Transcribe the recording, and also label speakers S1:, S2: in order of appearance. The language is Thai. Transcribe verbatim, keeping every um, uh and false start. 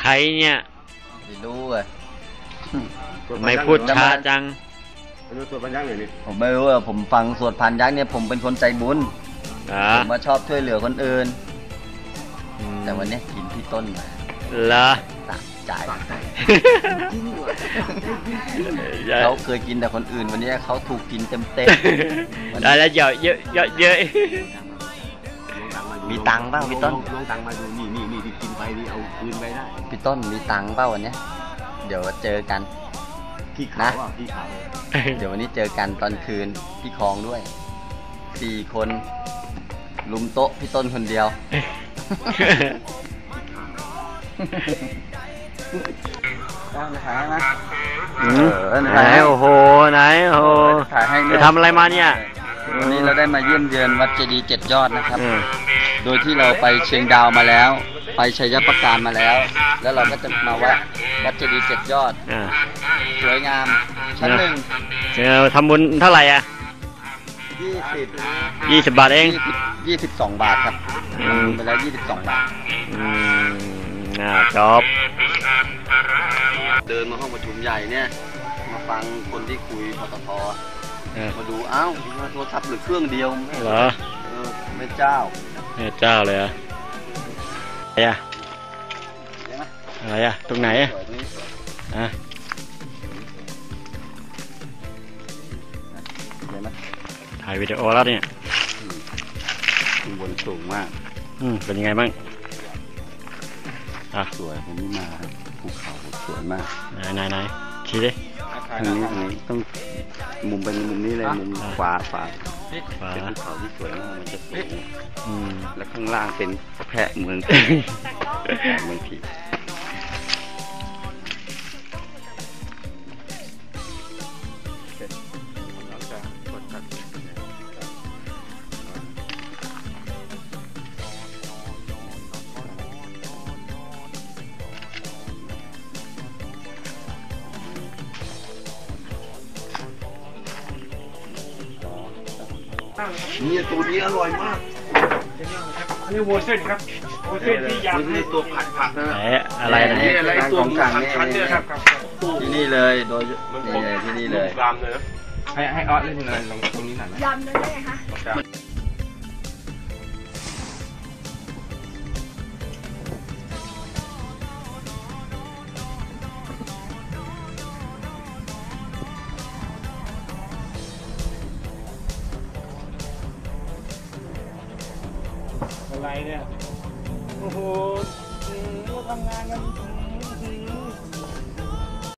S1: ใครเนี่ย
S2: ไม่รู้อ่ะ
S1: ไม่พูดช้าจัง
S3: สวดพันยักษ์เลยนี่
S2: ผมไม่รู้อ่ะผมฟังสวดพันยักษ์เนี่ยผมเป็นคนใจบุญผมมาชอบช่วยเหลือคนอื่นแต่วันนี้กินพี่ต้นมา
S1: ละ
S2: สะใจเขาเคยกินแต่คนอื่นวันนี้เขาถูกกินเต็มเต็ม
S1: ได้แล้วเยอะเยอะเยอะเยอะ
S2: มีตังค์เปล่าพี่ต้น
S3: ลงตังค์มาดูนี่นี่นี่กินไปนี่เอาคืนไปได้
S2: พี่ต้นมีตังค์เปล่าวันนี้เดี๋ยวเจอกัน
S3: พี่ขาวพี่ขาว
S2: เดี๋ยววันนี้เจอกันตอนคืนพี่คลองด้วยสี่คนลุมโต๊ะพี่ต้นคนเดียวถ่ายนะ
S1: ไหนโอ้โหไหนโอ้โหไปทำอะไรมาเนี่ย
S2: วันนี้เราได้มาเยี่ยมเยือนวัดเจดีย์เจ็ดยอดนะครับโดยที่เราไปเชียงดาวมาแล้วไปชัยประการมาแล้วแล้วเราก็จะมาวัดวัดเจดีย์เจ็ดยอดสวยงามชั้นหนึ่ง
S1: เจอทำบุญเท่าไหร่อ่ะ
S2: ยี่สิบ
S1: ยี่สิบบาทเอง
S2: ยี่สิบสองบาทครับไปแล้วยี่สิบสองบาท
S1: น่าจบ
S2: เดินมาห้องประชุมใหญ่เนี่ยมาฟังคนที่คุยปตทมาดูอ้าวโทรศัพท์หรือเครื่องเดียว
S1: เหรอ
S2: แม่เจ้า
S1: แม่เจ้าเลยอ่ะอะไรอ่ะอะไรอ่ะตรงไหนอ่ะอ่ะถ่ายวิดีโอแล้วเนี่ย
S2: ข้างบนสูงมาก
S1: อืมเป็นยังไงบ้างอ่ะ
S2: สวยผมนี่มาภูเขาสวยมาก
S1: ไหนไหนไหนชี้ดิ
S2: ทางนี้ทางนี้ต้องมุมเป็นมุมนี้เลยมุมขวาขวาเป็นภูเขาที่สวยมากมันจะสูงแล้วข้างล่างเป็นแพะเมืองเมืองผีนี่ตัวนี้อร่อยมาก
S3: อันนี้วัวเส้นครับวัวเส้นที่ยำ
S2: นี่ตัวผัดผักนะ
S1: อะไรนะ
S3: นี่อะไรตัวผัดผัดเนี่ยครับ
S2: ที่นี่เลยโดยนี่เลยที่นี่เลย
S3: ยำเลยให้ให้ออสเล่นหน่อยลงตรงนี้หน่อย
S4: ยำเลยได้ไหมคะ
S3: อะไรเนี่ยโอ้โหทำงานกัน